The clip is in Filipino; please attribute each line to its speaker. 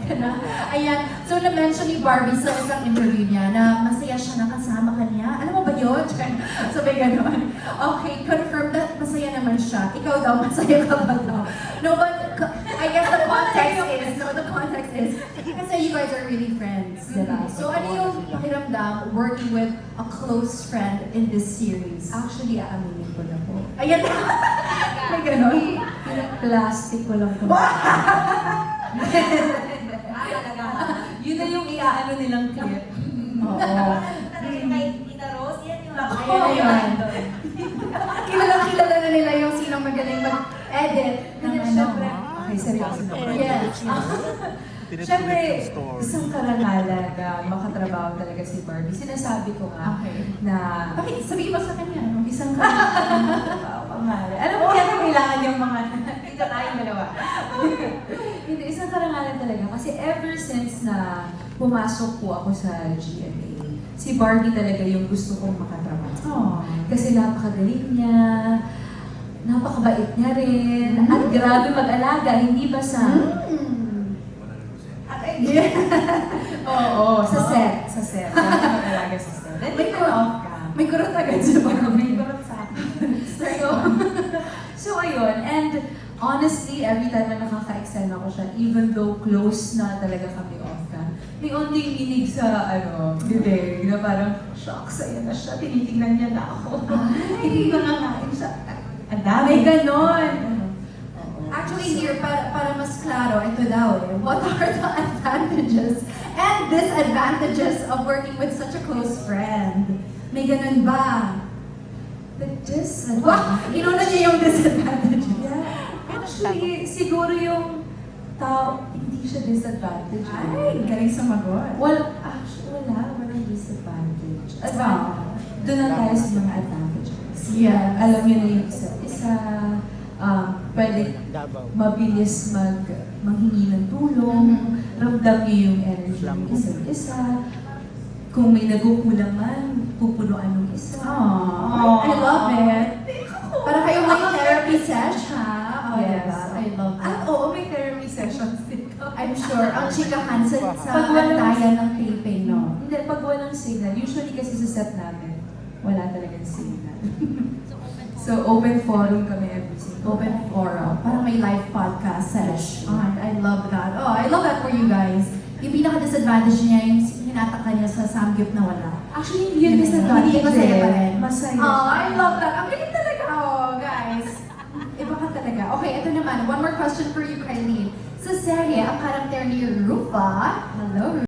Speaker 1: ka na. Ayan. So, na-mention ni Barbie sa isang interview niya na masaya siya na kasama ka niya. Alam mo ba yun? Sabi gano'n. Okay, confirm that masaya naman siya. Ikaw daw, masaya ka ba daw? No, but I guess the context is, kasi you guys are really friends, diba? So, ano yung pakiramdam working with a close friend in this series?
Speaker 2: Actually, aaminin ko na po.
Speaker 1: Ayan. May gano'n.
Speaker 2: Plastic ko lang po. Yun na yung iaano nilang clip.
Speaker 1: Oo.
Speaker 3: Kay Tita Rose, yan yung
Speaker 1: Ayan na yun. Kilala na nila yung sinong magaling mag-edit ng ano.
Speaker 2: Siyempre, okay, seryoso na.
Speaker 1: Yes.
Speaker 2: Siyempre, isang karangalan na makatrabaho talaga si Barbie. Sinasabi ko nga
Speaker 1: Okay.
Speaker 2: na
Speaker 1: Bakit? Sabihin mo sa kanya, no?
Speaker 2: isang karangalan na makatrabaho pangalan. Alam mo, yan ang kailangan yung mga dito tayong dalawa. Hindi, isang karangalan talaga. Kasi ever since na pumasok po ako sa GMA, si Barbie talaga yung gusto kong makatrabaho.
Speaker 1: Oh.
Speaker 2: Kasi napakagaling niya, napakabait niya rin, at grabe mag-alaga, hindi ba sa...
Speaker 1: Yeah.
Speaker 2: Oo, sa set. Grabe mag-alaga sa set. Then,
Speaker 1: May
Speaker 2: turn off ka.
Speaker 1: May kurot agad siya.
Speaker 2: May kurot sa akin. So, ayun. And honestly, every time na nakaka-excel ako siya, even though close na talaga kami off cam, may onting minig sa, bibig, na parang, shocks, ayan na siya, tinitingnan niya na ako. Hindi ko nangain siya. Ang dami.
Speaker 1: May ganon.
Speaker 2: Oo.
Speaker 1: Actually, here, para mas klaro, ito daw eh. What are the advantages and disadvantages of working with such a close friend? May ganun ba?
Speaker 2: The disadvantage.
Speaker 1: Wow! Inuna niya yung disadvantages.
Speaker 2: Yeah. Actually, siguro yung tao, hindi siya disadvantage.
Speaker 1: Ay, galing sumagot.
Speaker 2: Well, actually, walang disadvantage.
Speaker 1: Wow.
Speaker 2: Doon na tayo sa mga advantages.
Speaker 1: Yes.
Speaker 2: Alam niyo na yung isa't isa, pwede mabilis manghingi ng tulong, ramdam niyo yung energy ng isa't isa. Kung may nagukulang man, pupunuan ng isa.
Speaker 1: Aww, I love it. Para kayong may therapy session. Oh,
Speaker 2: Yes.
Speaker 1: diba? I love
Speaker 2: At
Speaker 1: that.
Speaker 2: oo, may therapy sessions din.
Speaker 1: I'm sure, ang chikahan sa
Speaker 2: Pag walang-
Speaker 1: antayan ng taping, no?
Speaker 2: Hindi, pag walang signal, usually kasi sa set namin, wala talagang signal. So, open forum kami every single
Speaker 1: Open
Speaker 2: time.
Speaker 1: forum. Parang may live podcast session. I love that. Oh, I love that for you guys. Yung pinaka-disadvantage niya, yung hinataka niya sa samgyup na wala.
Speaker 2: Actually, hindi yun disadvantage.
Speaker 1: Hindi, masaya pa rin.
Speaker 2: Masaya.
Speaker 1: Oh, I love that. Ang galing talaga. Oh, guys. Iba ka talaga. Okay, ito naman. One more question for you, Kylie. Sa serye, ang karakter ni Rufa, hello,